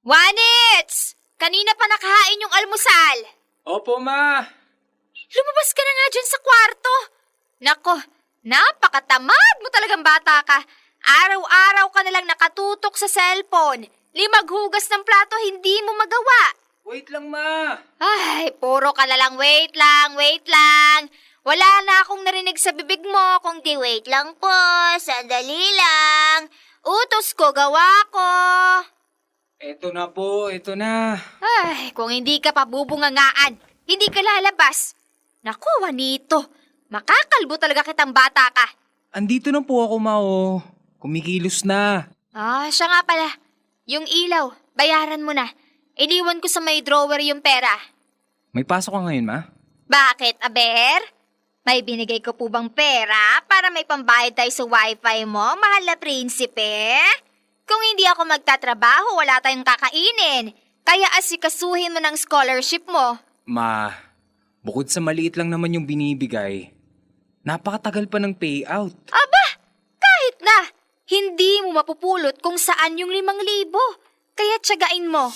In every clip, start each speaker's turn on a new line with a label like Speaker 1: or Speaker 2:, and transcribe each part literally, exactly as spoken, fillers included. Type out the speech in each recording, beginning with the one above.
Speaker 1: Juanits! Kanina pa nakahain yung almusal.
Speaker 2: Opo, ma.
Speaker 1: Lumabas ka na nga dyan sa kwarto. Nako, napakatamad mo talagang bata ka. Araw-araw ka nalang nakatutok sa cellphone. Limaghugas ng plato, hindi mo magawa.
Speaker 2: Wait lang, ma.
Speaker 1: Ay, puro ka na lang wait lang, wait lang. Wala na akong narinig sa bibig mo, kung di wait lang po, sandali lang. Utos ko, gawa ko.
Speaker 2: Eto na po, eto na.
Speaker 1: Ay, kung hindi ka pabubungangaan, hindi ka lalabas. Naku, Juanito, makakalbo talaga kitang bata ka.
Speaker 2: Andito na po ako, ma, oh. Kumikilos na.
Speaker 1: Ah, siya nga pala. Yung ilaw, bayaran mo na. Iniwan ko sa may drawer yung pera.
Speaker 2: May pasok ka ngayon, ma?
Speaker 1: Bakit, Aber? May binigay ko po bang pera para may pambayad tayo sa wifi mo, mahal na prinsipe? Kung hindi ako magtatrabaho, wala tayong kakainin. Kaya asikasuhin mo ng scholarship mo.
Speaker 2: Ma, bukod sa maliit lang naman yung binibigay, napakatagal pa ng payout.
Speaker 1: Aba, kahit na. Hindi mo mapupulot kung saan yung limang libo. Kaya tiyagain mo.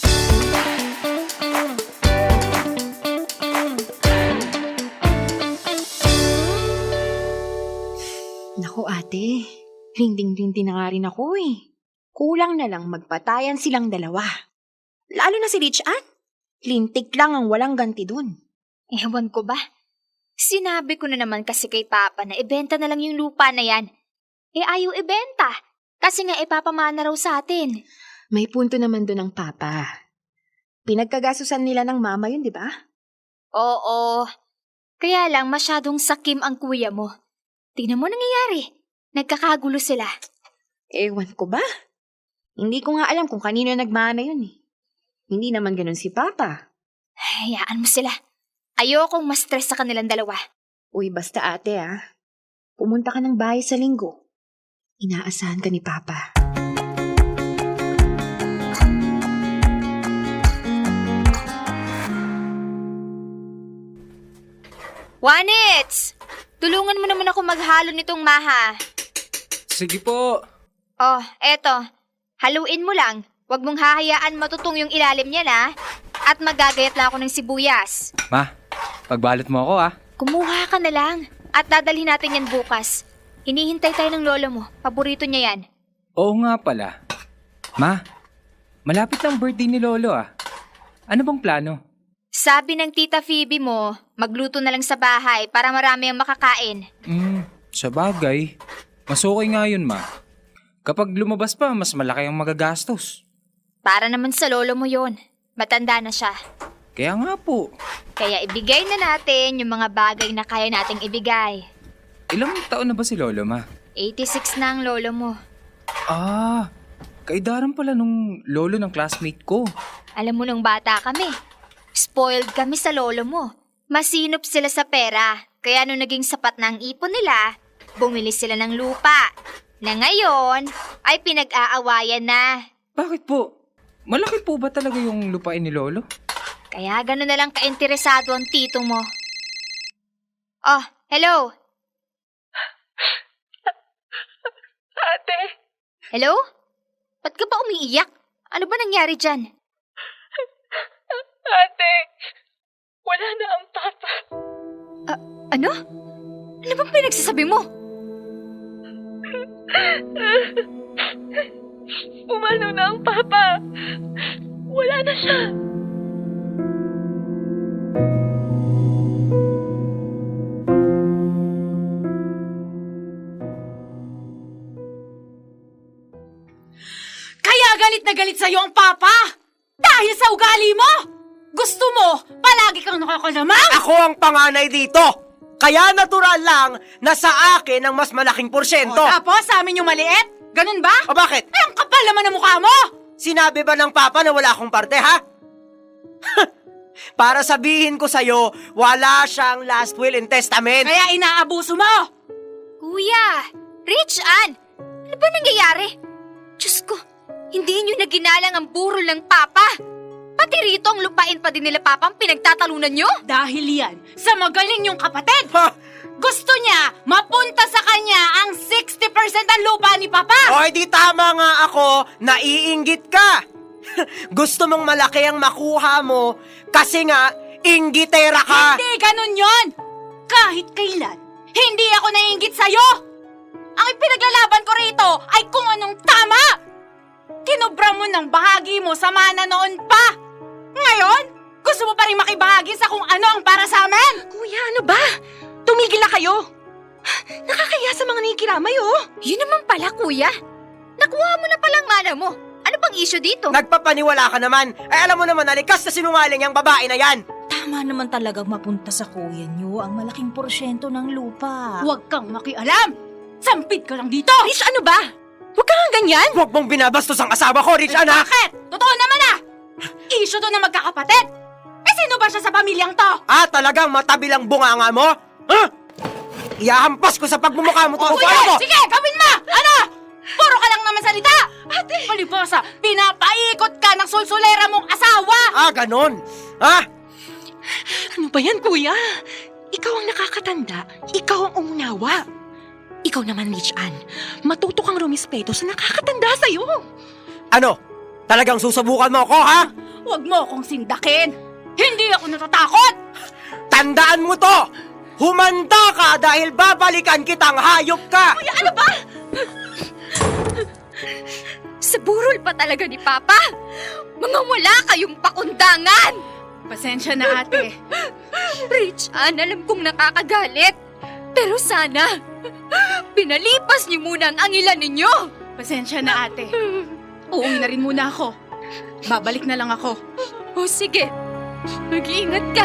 Speaker 3: Naku ate, rinding-rindi na nga rin ako eh. Kulang na lang magpatayan silang dalawa. Lalo na si Rich Ann. Lintik lang ang walang ganti dun.
Speaker 1: Ewan ko ba? Sinabi ko na naman kasi kay Papa na ibenta na lang yung lupa na yan. Eh ayaw ibenta. Kasi nga ipapamana raw sa atin.
Speaker 3: May punto naman dun ang Papa. Pinagkagasusan nila ng mama yun, di ba?
Speaker 1: Oo. Kaya lang masyadong sakim ang kuya mo. Tingnan mo nangyayari. Nagkakagulo sila.
Speaker 3: Ewan ko ba? Hindi ko nga alam kung kanino nagmana yun eh. Hindi naman ganun si Papa.
Speaker 1: Hayaan mo sila. Ayokong ma-stress sa kanilang dalawa.
Speaker 3: Uy, basta ate ah. Pumunta ka ng bahay sa linggo. Inaasahan ka ni Papa.
Speaker 1: Juanits! Tulungan mo naman ako maghalo nitong maha.
Speaker 2: Sige po.
Speaker 1: Oh, eto. Haluin mo lang. Huwag mong hahayaan matutong yung ilalim niya na. At magagayat lang ako ng sibuyas.
Speaker 2: Ma, pagbalot mo ako ah.
Speaker 1: Kumuha ka na lang. At dadalhin natin yan bukas. Hinihintay tayo ng lolo mo. Paborito niya yan.
Speaker 2: Oo nga pala. Ma, malapit lang birthday ni Lolo ah. Ano bang plano?
Speaker 1: Sabi ng tita Phoebe mo, magluto na lang sa bahay para marami ang makakain.
Speaker 2: Hmm, sa bagay. Mas okay nga yun, ma. Kapag lumabas pa, mas malaki ang magagastos.
Speaker 1: Para naman sa lolo mo yon. Matanda na siya.
Speaker 2: Kaya nga po.
Speaker 1: Kaya ibigay na natin yung mga bagay na kaya nating ibigay.
Speaker 2: Ilang taon na ba si Lolo, ma?
Speaker 1: eighty-six na ang lolo mo.
Speaker 2: Ah, kaidaran pala nung lolo ng classmate ko.
Speaker 1: Alam mo nung bata kami, spoiled kami sa lolo mo. Masinop sila sa pera, kaya nung naging sapat na ang ipon nila, bumili sila ng lupa. Na ngayon, ay pinag-aawayan na.
Speaker 2: Bakit po? Malaki po ba talaga yung lupain ni Lolo?
Speaker 1: Kaya gano'n na lang kainteresado ang tito mo. Oh, hello?
Speaker 4: Ate,
Speaker 1: Hello? Ba't ka ba umiiyak? Ano ba nangyari dyan?
Speaker 4: ate, wala na ang papa.
Speaker 1: Ano? Ano bang pinagsasabi mo?
Speaker 4: Umano na ang papa. Wala na siya.
Speaker 5: Kaya galit na galit sa'yo ang papa! Dahil sa ugali mo! Gusto mo, palagi kang nakakalamang!
Speaker 6: Ako ang panganay dito! Kaya natural lang na sa akin ang mas malaking porsyento.
Speaker 5: O, tapos sa amin yung maliit? Ganun ba?
Speaker 6: O bakit?
Speaker 5: Ay, ang kapal naman ng mukha mo!
Speaker 6: Sinabi ba ng papa na wala akong parte, ha? Para sabihin ko sa'yo, wala siyang last will and testament.
Speaker 5: Kaya inaabuso mo!
Speaker 1: Kuya! Rich Ann! Ano ba nangyayari? Diyos ko, hindi nyo na ginalang ang burol ng papa! Pati rito ang lupain pa din nila papa ang pinagtatalunan nyo?
Speaker 5: Dahil yan, sa magaling yung kapatid!
Speaker 6: Ha?
Speaker 5: Gusto niya, mapunta sa kanya ang sixty percent ng lupa ni papa!
Speaker 6: O, di tama nga ako, naiinggit ka. Gusto mong malaki ang makuha mo kasi nga, inggitera ka.
Speaker 5: Hindi ganun yon! Kahit kailan, hindi ako naiinggit sa'yo! Ang ipinaglalaban ko rito ay kung anong tama! Kinubra mo ng bahagi mo sa mana noon pa! Ngayon, gusto mo pa rin makibahagi sa kung ano ang para sa amin?
Speaker 3: Kuya, ano ba? Tumigil na kayo! Nakakaya sa mga nakikiramay, oh!
Speaker 1: Yun naman pala, kuya. Nakuha mo na palang mana mo. Ano bang issue dito?
Speaker 6: Nagpapaniwala ka naman. Ay alam mo naman, nalikas na sinungaling yung babae na yan.
Speaker 7: Tama naman talagang mapunta sa kuya niyo ang malaking porsyento ng lupa.
Speaker 5: Huwag kang makialam! Sampid ka lang dito!
Speaker 3: Rich, ano ba? Huwag ka nga ganyan!
Speaker 6: Huwag mong binabastos ang asawa ko, Rich, anak!
Speaker 5: Bakit? Totoo naman ah! Issue to na magkakapatid! Eh sino ba siya sa pamilyang to?
Speaker 6: Ah, talagang matabilang bunganga mo? Ha? Iahampas ko sa pagmumukha mo
Speaker 5: O
Speaker 6: to.
Speaker 5: sige,
Speaker 6: Paano mo?
Speaker 5: sige, gawin mo! Ano? Puro ka lang naman salita! Ate! Palibasa, pinapaikot ka ng sulsulera mong asawa!
Speaker 6: Ah, ganon. Ha?
Speaker 3: Ano ba yan, kuya? Ikaw ang nakakatanda. Ikaw ang umunawa. Ikaw naman, Rich Ann. Matuto kang rumispeto sa nakakatanda sa'yo.
Speaker 6: Ano? Talagang susubukan mo ako, ha?
Speaker 5: Huwag mo akong sindakin! Hindi ako natatakot!
Speaker 6: Tandaan mo to! Humanda ka dahil babalikan kitang hayop ka!
Speaker 5: Kuya, ano ba?
Speaker 1: Sa burol pa talaga ni Papa. Mga wala kayong pakundangan.
Speaker 5: Pasensya na, ate.
Speaker 1: Rich Ann, alam kong nakakagalit. Pero sana, pinalipas niyo muna ang angilan ninyo.
Speaker 5: Pasensya na, ate. Uuwi na rin muna ako. Babalik na lang ako.
Speaker 1: O sige, mag-iingat ka.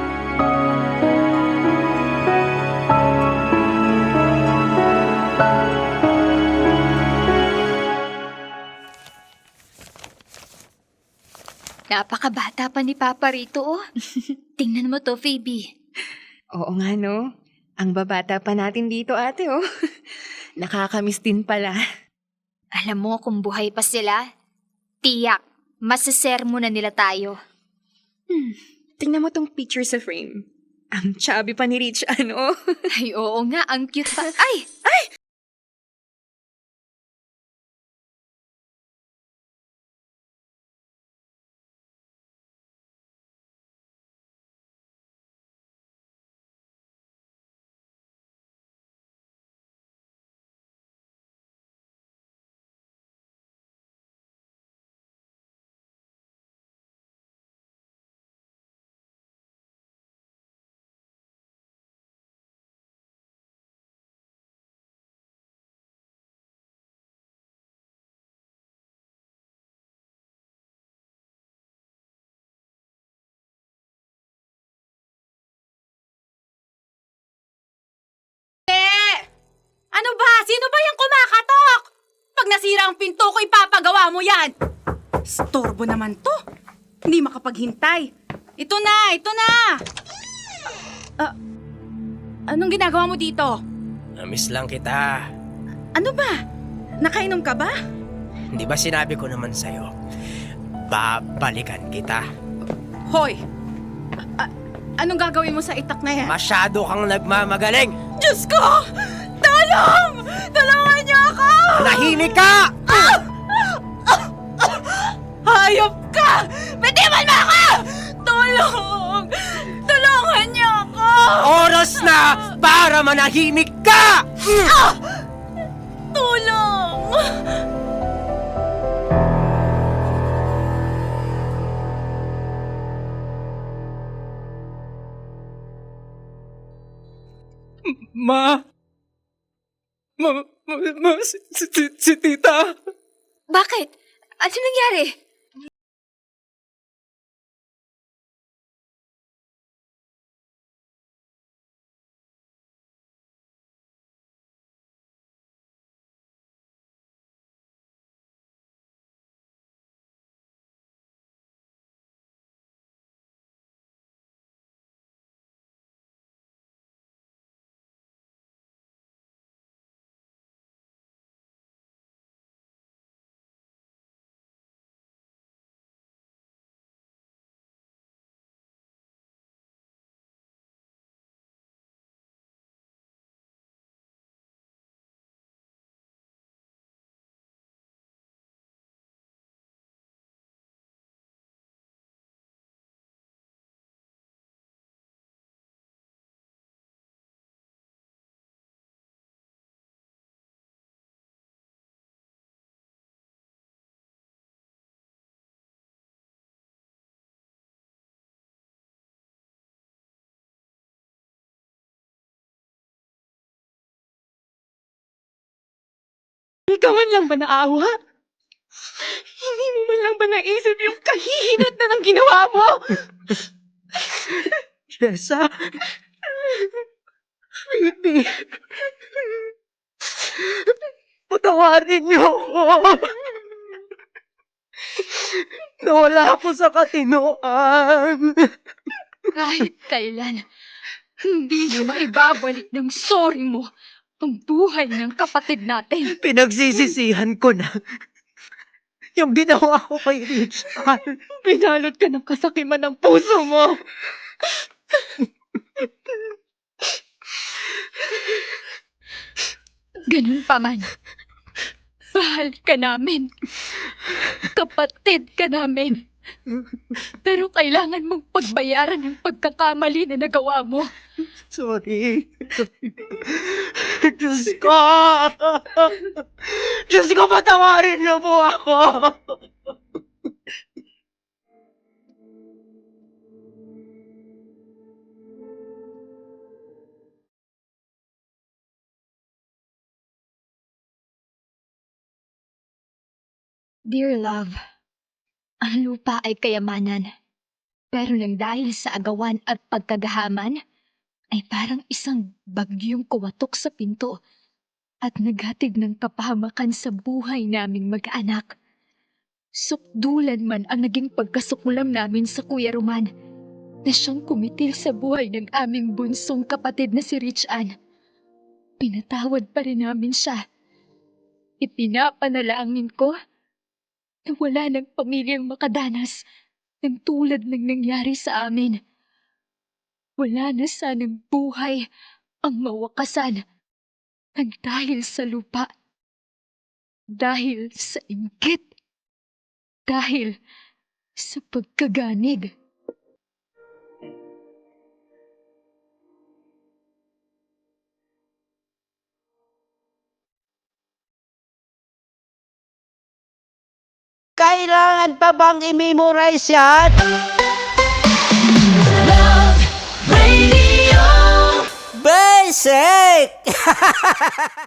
Speaker 1: Napakabata pa ni Papa rito, oh. Tingnan mo to, Phoebe.
Speaker 3: Oo nga, no? Ang babata pa natin dito, ate, oh. Nakakamiss din pala.
Speaker 1: Alam mo kung buhay pa sila, tiyak, masasermo na nila tayo.
Speaker 3: Hmm, tingnan mo tong picture sa frame. Ang chubby pa ni Rich, ano?
Speaker 1: Ay, oo nga, ang cute pa. Ay!
Speaker 5: Ano ba? Sino ba yung kumakatok? Pag nasira ang pinto ko, ipapagawa mo yan. Storbo naman to. Hindi makapaghintay. Ito na, ito na. Ah, anong ginagawa mo dito?
Speaker 6: Namiss lang kita.
Speaker 5: Ano ba? Nakainom ka ba?
Speaker 6: Di ba sinabi ko naman sa'yo, babalikan kita.
Speaker 5: Hoy! A- a- anong gagawin mo sa itak na yan?
Speaker 6: Masyado kang nagmamagaling.
Speaker 5: Diyos ko! Tulong! Tulungan niyo ako!
Speaker 6: Nahimik ka!
Speaker 5: Hayop ka! Bitiwan mo ako! Tulong! Tulungan niyo ako!
Speaker 6: Oras na para manahimik ka!
Speaker 5: Tulong!
Speaker 2: Ma! Ma, ma, ma si, si, si tita!
Speaker 1: Bakit? Ano nangyari?
Speaker 3: Hindi ka man lang ba naawa? Hindi mo man lang ba naisip yung kahihinat na ng ginawa mo?
Speaker 6: Jessa? Baby. Patawarin niyo ako. Nawala ako sa katinoan.
Speaker 4: Kahit kailan, hindi mo maibabalik ng sorry mo ang buhay ng kapatid natin.
Speaker 6: Pinagsisisihan ko na yung ginawa ko kay Richard.
Speaker 3: Binalot ka ng kasakiman ng puso mo.
Speaker 4: Ganun pa man. Mahal ka namin. Kapatid ka namin. Pero kailangan mong pagbayaran ang pagkakamali na nagawa mo.
Speaker 6: Sorry. Diyos ko! Diyos ko, patawarin niyo po ako!
Speaker 4: Dear love, ang lupa ay kayamanan. Pero nang dahil sa agawan at pagkagahaman, ay parang isang bagyong kuwatok sa pinto at naghatid ng kapahamakan sa buhay naming mag-anak. Sukdulan man ang naging pagkasuklam namin sa Kuya Roman na siyang kumitil sa buhay ng aming bunsong kapatid na si Rich Ann. Pinatawad pa rin namin siya. Ipinapanalangin ko na wala ng pamilyang makadanas ng tulad ng nangyari sa amin. Wala na sanang buhay ang mawakasan ng dahil sa lupa, dahil sa inggit, dahil sa pagkaganid.
Speaker 6: Kailangan pa bang i-memorize yan? Basic!